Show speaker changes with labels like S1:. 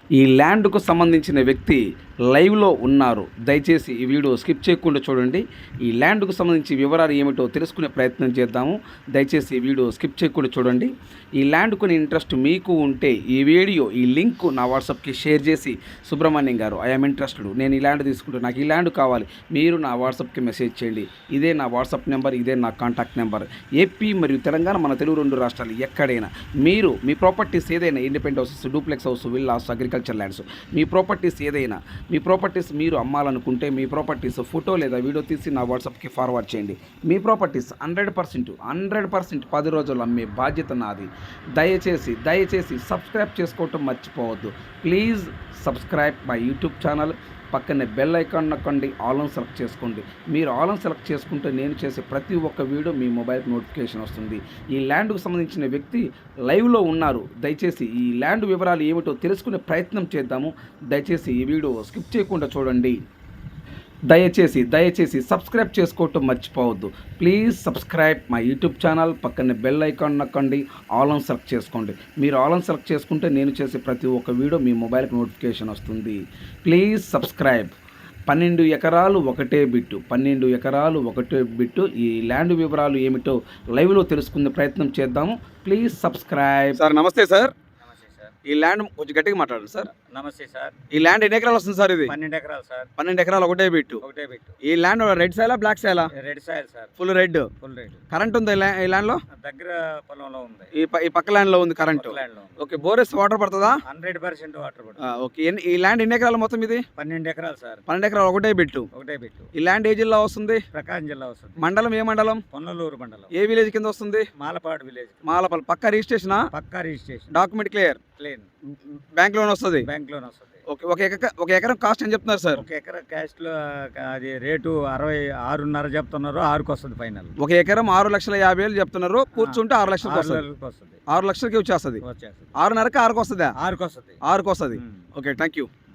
S1: ఈ ల్యాండ్కు సంబంధించిన వ్యక్తి లైవ్లో ఉన్నారు. దయచేసి ఈ వీడియో స్కిప్ చేయకుండా చూడండి. ఈ ల్యాండ్కు సంబంధించి వివరాలు ఏమిటో తెలుసుకునే ప్రయత్నం చేద్దాము. దయచేసి ఈ వీడియో స్కిప్ చేయకుండా చూడండి. ఈ ల్యాండ్ కొని ఇంట్రెస్ట్ మీకు ఉంటే ఈ వీడియో ఈ లింక్ నా వాట్సాప్కి షేర్ చేసి, సుబ్రహ్మణ్యం గారు ఐఎమ్ ఇంట్రెస్టెడ్, నేను ఈ ల్యాండ్ తీసుకుంటే నాకు ఈ ల్యాండ్ కావాలి, మీరు నా వాట్సాప్కి మెసేజ్ చేయండి. ఇదే నా వాట్సాప్ నెంబర్, ఇదే నా కాంటాక్ట్ నెంబర్. ఏపీ మరియు తెలంగాణ, మన తెలుగు రెండు రాష్ట్రాలు ఎక్కడైనా మీరు మీ ప్రాపర్టీస్ ఏదైనా, independent houses, duplex house, villas, agriculture lands, మీ ప్రాపర్టీస్ ఏదైనా, మీ ప్రాపర్టీస్ మీరు అమ్మాలనుకుంటే మీ ప్రాపర్టీస్ ఫోటో లేదా వీడియో తీసి నా వాట్సాప్కి ఫార్వర్డ్ చేయండి. మీ ప్రాపర్టీస్ 100% 10 రోజులు అమ్మే బాధ్యత నాది. దయచేసి సబ్స్క్రైబ్ చేసుకోవటం మర్చిపోవద్దు. Please subscribe my YouTube channel. పక్కనే బెల్ ఐకాన్ నొక్కండి, ఆల్ ఆన్ సెలెక్ట్ చేసుకోండి. మీరు ఆల్ ఆన్ సెలెక్ట్ చేసుకుంటే నేను చేసే ప్రతి ఒక్క వీడియో మీ మొబైల్కి నోటిఫికేషన్ వస్తుంది. ఈ ల్యాండ్కు సంబంధించిన వ్యక్తి లైవ్లో ఉన్నారు. దయచేసి ఈ ల్యాండ్ వివరాలు ఏమిటో తెలుసుకునే ప్రయత్నం చేద్దాము. దయచేసి ఈ వీడియో స్కిప్ చేయకుండా చూడండి. దయచేసి సబ్స్క్రైబ్ చేసుకోవటం మర్చిపోవద్దు. Please subscribe my YouTube channel. పక్కనే బెల్ ఐకాన్ నొక్కండి, ఆల్ ఆన్ సెలెక్ట్ చేసుకోండి. మీరు ఆల్ ఆన్ సెలెక్ట్ చేసుకుంటే నేను చేసే ప్రతి ఒక్క వీడియో మీ మొబైల్కి నోటిఫికేషన్ వస్తుంది. Please subscribe. 12 ఎకరాలు ఒకటే బిట్టు. ఈ ల్యాండ్ వివరాలు ఏమిటో లైవ్లో తెలుసుకునే ప్రయత్నం చేద్దాము. Please subscribe. Sir namaste sir. ఈ ల్యాండ్ కొంచెం గట్టిగా మాట్లాడండి సార్.
S2: నమస్తే సార్.
S1: ఈ ల్యాండ్ ఎన్ని ఎకరాలు వస్తుంది సార్? ఇది
S2: 12 ఎకరాలు సార్.
S1: 12 ఎకరాలు ఒకటే బిట్టు. ఈ ల్యాండ్ రెడ్ సైలా బ్లాక్ సైలా?
S2: Red soil sir.
S1: Full red. Current ఉంది ఈ ల్యాండ్ లో?
S2: దగ్గర పొలంలో ఉంది.
S1: ఈ పక్క ల్యాండ్ లో ఉంది కరెంట్. ఓకే, బోరెస్ వాటర్ పడుతుందా?
S2: 100% వాటర్ పడుతుంది.
S1: ఓకే, ఈ ల్యాండ్ ఎన్ని ఎకరాలు మొత్తం? ఇది
S2: 12 ఎకరాలు సార్.
S1: 12 ఎకరాలు ఒకటే బిట్టు. ఈ ల్యాండ్ ఏ జిల్లా వస్తుంది?
S2: ప్రకాశం జిల్లా వస్తుంది.
S1: మండలం ఏ మండలం?
S2: పొన్నలూరు మండలం.
S1: ఏ విలేజ్ కింద వస్తుంది?
S2: మాలపాడు విలేజ్.
S1: మాలపాడు. పక్క రిజిస్ట్రేషనా?
S2: పక్కా registration.
S1: Document clear. Bank loan వస్తుంది. ఓకే, ఒక ఎకరం కాస్ట్ అని చెప్తున్నారు సార్?
S2: ఒక ఎకరం కాస్ట్ లో అది రేటు 66.5 చెప్తున్నారు. 6కి వస్తుంది ఫైనల్.
S1: ఒక ఎకరం 6,50,000 చెప్తున్నారు. కూర్చుంటే 6 లక్షలకు వస్తుంది. 6 లక్షలకి వచ్చేస్తుంది. 6.5కి 6కి వస్తుందా?
S2: 6కి వస్తుంది.
S1: Okay, thank you.